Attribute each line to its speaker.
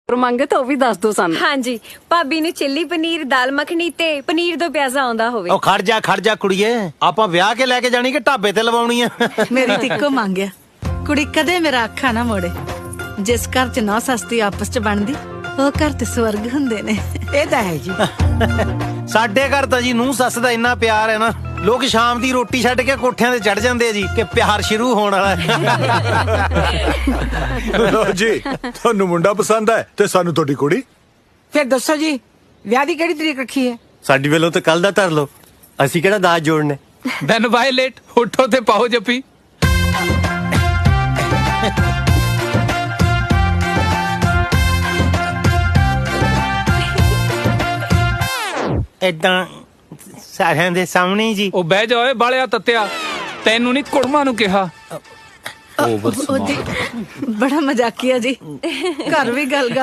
Speaker 1: ਮੰਗੇ ਤਾਂ ਉਹ ਵੀ ਦੱਸ ਦੋ ਸਾਨੂੰ।
Speaker 2: ਹਾਂਜੀ, ਭਾਬੀ ਨੂੰ ਚਿੱਲੀ ਪਨੀਰ, ਦਾਲ ਮੱਖਣੀ ਤੇ ਪਨੀਰ ਦੋ ਪਿਆਜ਼ਾ ਆਉਂਦਾ ਹੋਵੇ।
Speaker 3: ਉਹ ਖੜ ਜਾ ਕੁੜੀਏ, ਆਪਾਂ ਵਿਆਹ ਕੇ ਲੈ ਕੇ ਜਾਣੀ ਕਿ ਢਾਬੇ ਤੇ ਲਵਾਉਣੀ ਆ?
Speaker 4: ਮੇਰੀ ਤੇ ਇੱਕੋ ਮੰਗ ਆ, ਕੁੜੀ ਕਦੇ ਮੇਰਾ ਅੱਖਾਂ ਨਾ ਮੋੜੇ। ਜਿਸ ਘਰ ਚ ਨੌ ਸਸਤੀ ਆਪਸ ਚ ਬਣਦੀ, ਉਹ ਘਰ ਤੇ ਸਵਰਗ ਹੁੰਦੇ ਨੇ।
Speaker 5: ਇਹ ਤਾਂ ਹੈ ਜੀ।
Speaker 3: ਸਾਡੇ ਘਰ ਤਾਂ ਜੀ ਨੂੰਹ ਸੱਸ ਦਾ ਇੰਨਾ ਪਿਆਰ ਹੈ ਨਾ, ਲੋਕ ਸ਼ਾਮ ਦੀ ਰੋਟੀ ਛੱਡ ਕੇ ਕੋਠਿਆਂ ਤੇ ਚੜ ਜਾਂਦੇ ਆ ਜੀ ਕਿ ਪਿਆਰ ਸ਼ੁਰੂ ਹੋਣ ਵਾਲਾ ਹੈ।
Speaker 6: ਲੋ ਜੀ, ਤੁਹਾਨੂੰ ਮੁੰਡਾ ਪਸੰਦ ਹੈ ਤੇ ਸਾਨੂੰ ਤੁਹਾਡੀ ਕੁੜੀ।
Speaker 5: ਫਿਰ ਦੱਸੋ ਜੀ, ਵਿਆਹ ਦੀ ਕਿਹੜੀ ਤਰੀਕ ਰੱਖੀ ਹੈ?
Speaker 7: ਸਾਡੀ ਵੱਲੋਂ ਤਾਂ ਕੱਲ ਦਾ ਧਰ ਲਓ, ਅਸੀਂ ਕਿਹੜਾ ਦਾਜ ਜੋੜਨੇ।
Speaker 8: ਦੈਨ ਵਾਇਲੇਟ, ਉੱਠੋ ਤੇ ਪਾਓ ਜੱਫੀ।
Speaker 3: ਏਦਾਂ ਸਾਰਿਆਂ ਦੇ ਸਾਹਮਣੇ ਜੀ।
Speaker 8: ਉਹ ਬਹਿ ਜਾ ਓਏ ਬਾਲਿਆ ਤੱਤਿਆ, ਤੈਨੂੰ ਨਹੀਂ ਕੁੜਮਾ ਨੂੰ ਕਿਹਾ।
Speaker 4: ਉਹਦੀ ਬੜਾ ਮਜ਼ਾਕੀਆ ਜੀ, ਘਰ ਵੀ ਗੱਲ